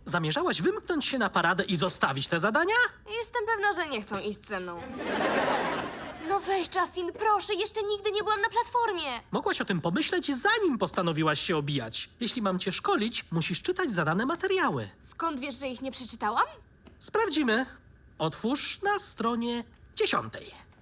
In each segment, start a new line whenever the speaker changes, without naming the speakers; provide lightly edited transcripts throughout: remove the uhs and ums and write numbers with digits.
Zamierzałaś wymknąć się na paradę i zostawić te zadania?
Jestem pewna, że nie chcą iść ze mną. No weź, Justin, proszę, jeszcze nigdy nie byłam na platformie.
Mogłaś o tym pomyśleć, zanim postanowiłaś się obijać. Jeśli mam cię szkolić, musisz czytać zadane materiały.
Skąd wiesz, że ich nie przeczytałam?
Sprawdzimy. Otwórz na stronie 10.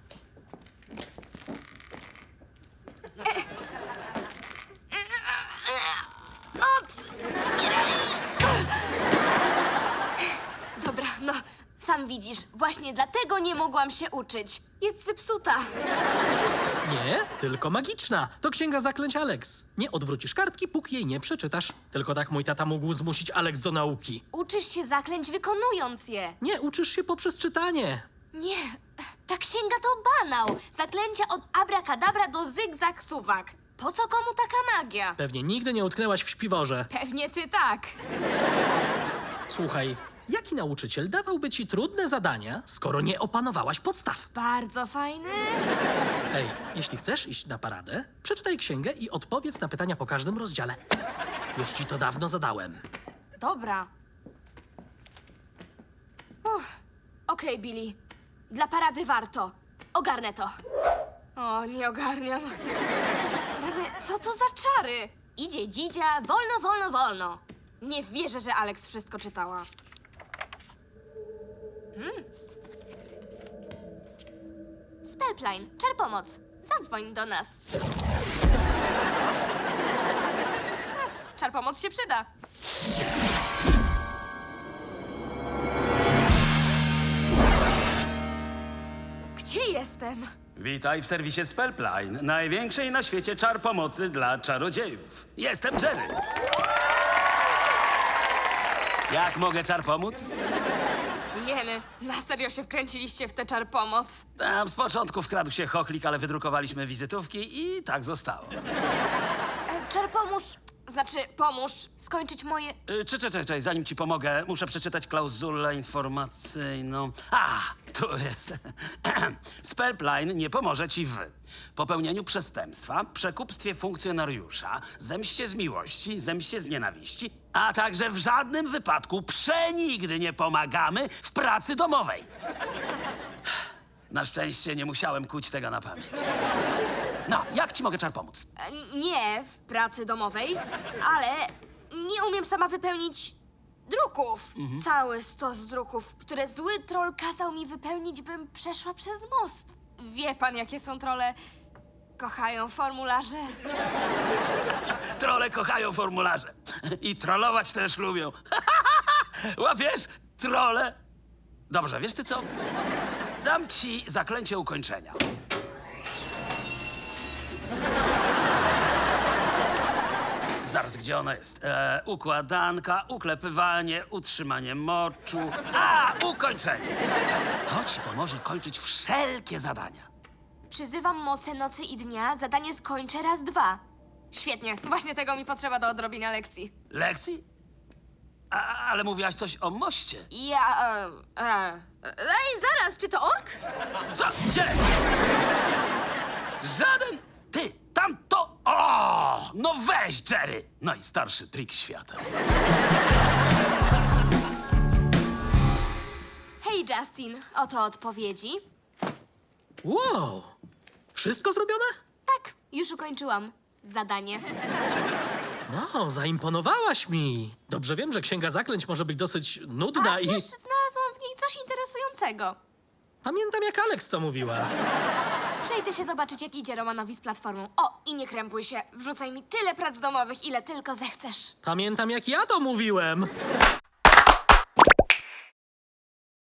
Dobra, no, sam widzisz, właśnie dlatego nie mogłam się uczyć. Jest zepsuta.
Nie, tylko magiczna. To księga zaklęć Alex. Nie odwrócisz kartki, póki jej nie przeczytasz. Tylko tak mój tata mógł zmusić Alex do nauki.
Uczysz się zaklęć wykonując je.
Nie, uczysz się poprzez czytanie.
Nie, ta księga to banał. Zaklęcia od abracadabra do zygzak suwak. Po co komu taka magia?
Pewnie nigdy nie utknęłaś w śpiworze.
Pewnie ty tak.
Słuchaj, jaki nauczyciel dawałby ci trudne zadania, skoro nie opanowałaś podstaw?
Bardzo fajny.
Hej, jeśli chcesz iść na paradę, przeczytaj księgę i odpowiedz na pytania po każdym rozdziale. Już ci to dawno zadałem.
Dobra. Okej, Billy. Dla parady warto. Ogarnę to. O, nie ogarniam. Rany, co to za czary? Idzie dzidzia, wolno, wolno, wolno. Nie wierzę, że Alex wszystko czytała. Spellpline, czar pomoc. Zadzwoń do nas. Czar pomoc się przyda. Gdzie jestem?
Witaj w serwisie Spellpline, największej na świecie czar pomocy dla czarodziejów. Jestem Jerry. Jak mogę czar pomóc?
Jeny, na serio się wkręciliście w tę czar pomoc?
Tam z początku wkradł się chochlik, ale wydrukowaliśmy wizytówki i tak zostało.
Czar pomóż skończyć moje...
Czekaj, zanim ci pomogę, muszę przeczytać klauzulę informacyjną. Tu jest. Spellpline nie pomoże ci w popełnieniu przestępstwa, przekupstwie funkcjonariusza, zemście z miłości, zemście z nienawiści, a także w żadnym wypadku przenigdy nie pomagamy w pracy domowej. Na szczęście nie musiałem kuć tego na pamięć. No, jak ci mogę czar pomóc?
Nie w pracy domowej, ale nie umiem sama wypełnić druków. Cały stos druków, które zły troll kazał mi wypełnić, bym przeszła przez most. Wie pan, jakie są trolle? Kochają formularze.
Trolle kochają formularze. I trollować też lubią. Łapiesz? Trolle. Dobrze, wiesz ty co? Dam ci zaklęcie ukończenia. Zaraz, gdzie ona jest? Układanka, uklepywanie, utrzymanie moczu. Ukończenie. To ci pomoże kończyć wszelkie zadania.
Przyzywam moce nocy i dnia, zadanie skończę raz, dwa. Świetnie, właśnie tego mi potrzeba do odrobienia lekcji.
Lekcji? Ale mówiłaś coś o moście.
Ej, zaraz, czy to ork?
Co? Gdzie? Żaden! Ty, tamto! O! No weź, Jerry! Najstarszy trik świata.
Hej, Justin, oto odpowiedzi.
Wow! Wszystko zrobione?
Tak, już ukończyłam zadanie.
No, zaimponowałaś mi. Dobrze wiem, że księga zaklęć może być dosyć nudna i...
Wiesz, znalazłam w niej coś interesującego.
Pamiętam, jak Alex to mówiła.
Przejdę się zobaczyć, jak idzie Romanowi z platformą. O, i nie krępuj się. Wrzucaj mi tyle prac domowych, ile tylko zechcesz.
Pamiętam, jak ja to mówiłem.